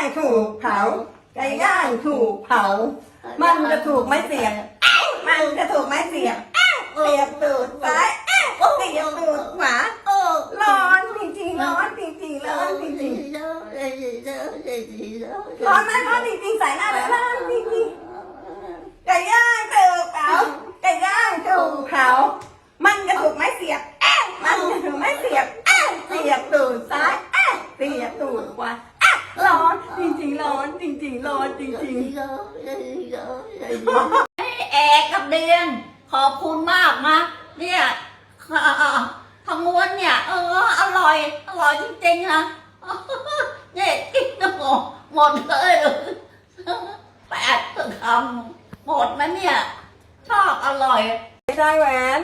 างถูกเผาไก่ย่างถูกเผามันจะถูกไม้เสียบมันจะถูกไม้เสียบเสียบตูดซ้ายเสียบตูดขวาร้อนจริงๆร้อนจริงๆร้อนจริงๆร้อนไหมร้อนจริงๆใส่หน้าเลยร้อนจริงๆไก่ย่างถูกเผาไก่ย่างถูกเผามันจะถูกไม้เสียบมันจะถูกไม้เสียบเสียบตูดซ้ายเสียบตูดขวาร้อนจริงๆร้อนจริงๆร้อนจริงๆเอกกับเดือนขอบคุณมากนะเนี่ยทางม้วนเนี่ยอร่อยจริงๆนะเนี่ยกินหมดเลย8 คำหมดนะเนี่ยชอบอร่อยไม่ได้แหวน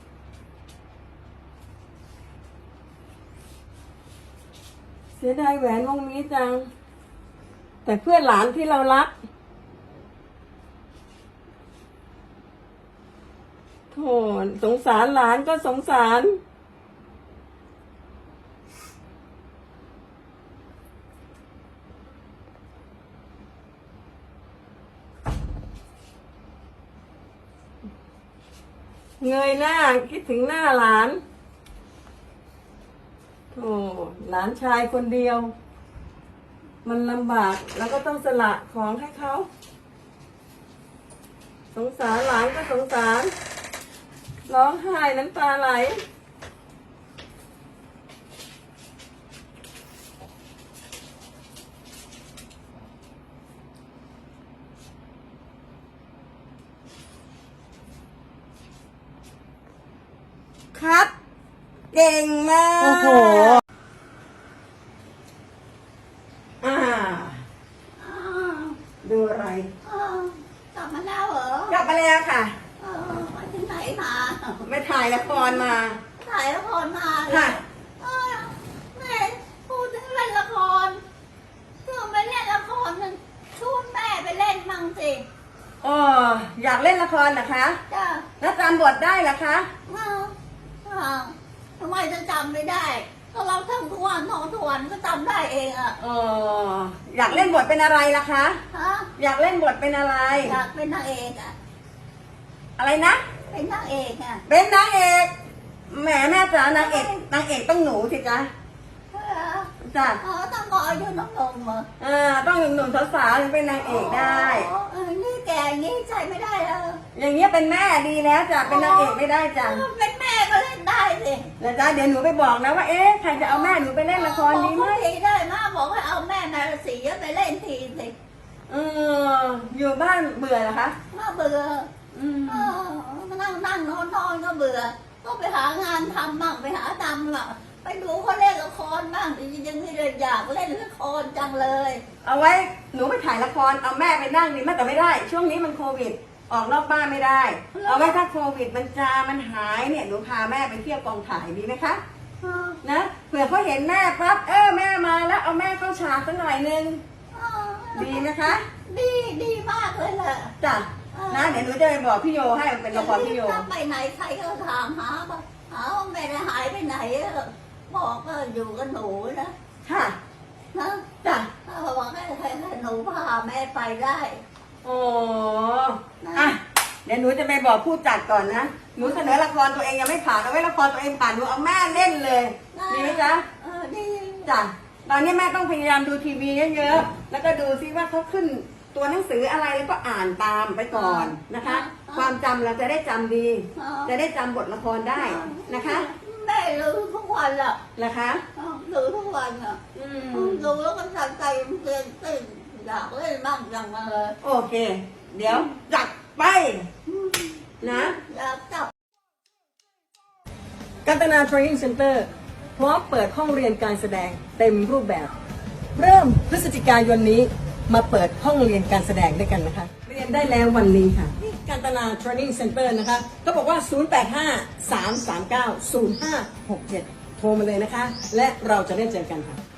เสียดายแหวนวงนี้จังแต่เพื่อนหลานที่เรารักโธ่สงสารหลานก็สงสารเงยหน้าคิดถึงหน้าหลานโธ่หลานชายคนเดียวมันลำบากแล้วก็ต้องสละของให้เขาสงสารหลานก็สงสารร้องไห้น้ำตาไหลครับเก่งมากโอ้โหดูอะไรกลับมาแล้วเหรอกลับมาแล้วค่ะมาที่ไหนมาไม่ถ่ายละครมาถ่ายละครมาค่ะแม่พูดถึงเล่นละครคือไปเล่นละครมันชวนแม่ไปเล่นมั่งสิอยากเล่นละครเหรอคะจ้ะแล้วจำบทได้เหรอคะทำไมจะจำไม่ได้ก็เราทำทุกวันก็จำได้เองอ่ะอยากเล่นบทเป็นอะไรล่ะคะอยากเล่นบทเป็นอะไรอยากเป็นนางเอกอ่ะอะไรนะเป็นนางเอกอ่ะเป็นนางเอกแหมแม่จ๋านางเอกต้องหนูสิจ๊ะจ้ะต้องรออายุน้องๆเหรอต้องหนุ่มๆสาวๆถึงเป็นนางเอกได้นี่แกอย่างนี้ใช่ไม่ได้แล้วอย่างเงี้ยเป็นแม่ดีแล้วจ้ะเป็นนางเอกไม่ได้จ้ะเป็นแม่ก็เล่นได้สิแล้วจ้ะเดี๋ยวหนูไปบอกนะว่าใครจะเอาแม่หนูไปเล่นละครดีไหมได้มาบอกให้เอาแม่นาราศีไปเล่นทีสิอยู่บ้านเบื่อเหรอคะเบื่อมานั่งนอนก็เบื่อก็ไปหางานทำบ้างไปหาทำล่ะไปดูเขาเล่นละครบ้างยังไม่ได้อยากเล่นละครจังเลยเอาไว้หนูไปถ่ายละครเอาแม่ไปนั่งดีแม่แต่ไม่ได้ช่วงนี้มันโควิดออกนอกบ้านไม่ได้เอาไว้ถ้าโควิดมันหายเนี่ยหนูพาแม่ไปเที่ยวกองถ่ายดีไหมคะนะเผื่อเขาเห็นแม่ปั๊บแม่มาแล้วเอาแม่เข้าฉากสักหน่อยนึงดีไหมคะดีมากเลยแหละจ้ะนะเดี๋ยวหนูจะไปบอกพี่โยให้เป็นละครพี่โยไปไหนใครก็ถามหาว่าแม่หายไปไหนบอกก็อยู่กับหนูนะค่ะนะจ้ะบอกให้หนูพาแม่ไปได้เดี๋ยวหนูจะไปบอกผู้จัดก่อนนะหนูเสนอละครตัวเองยังไม่ผ่านเอาไว้ละครตัวเองผ่านหนูเอาแม่เล่นเลยดีไหมจ๊ะดีจ้ะตอนนี้แม่ต้องพยายามดูทีวีเยอะๆแล้วก็ดูซิว่าเขาขึ้นตัวหนังสืออะไรแล้วก็อ่านตามไปก่อนนะคะความจำเราจะได้จำดีจะได้จำบทละครได้นะคะแม่รู้ทุกวันอ่ะนะคะรู้ทุกวันอ่ะรู้แล้วก็ตั้งใจเรียนอยากเล่นบ้างจังเลยโอเคเดี๋ยวจัดไปนะอยากจับกัตนา Training Center พร้อมเปิดห้องเรียนการแสดงเต็มรูปแบบเริ่มพฤศจิกายนนี้มาเปิดห้องเรียนการแสดงด้วยกันนะคะเรียนได้แล้ววันนี้ค่ะที่กัตนา Training Center นะคะก็บอกว่า085-339-0567โทรมาเลยนะคะและเราจะได้เจอกันค่ะ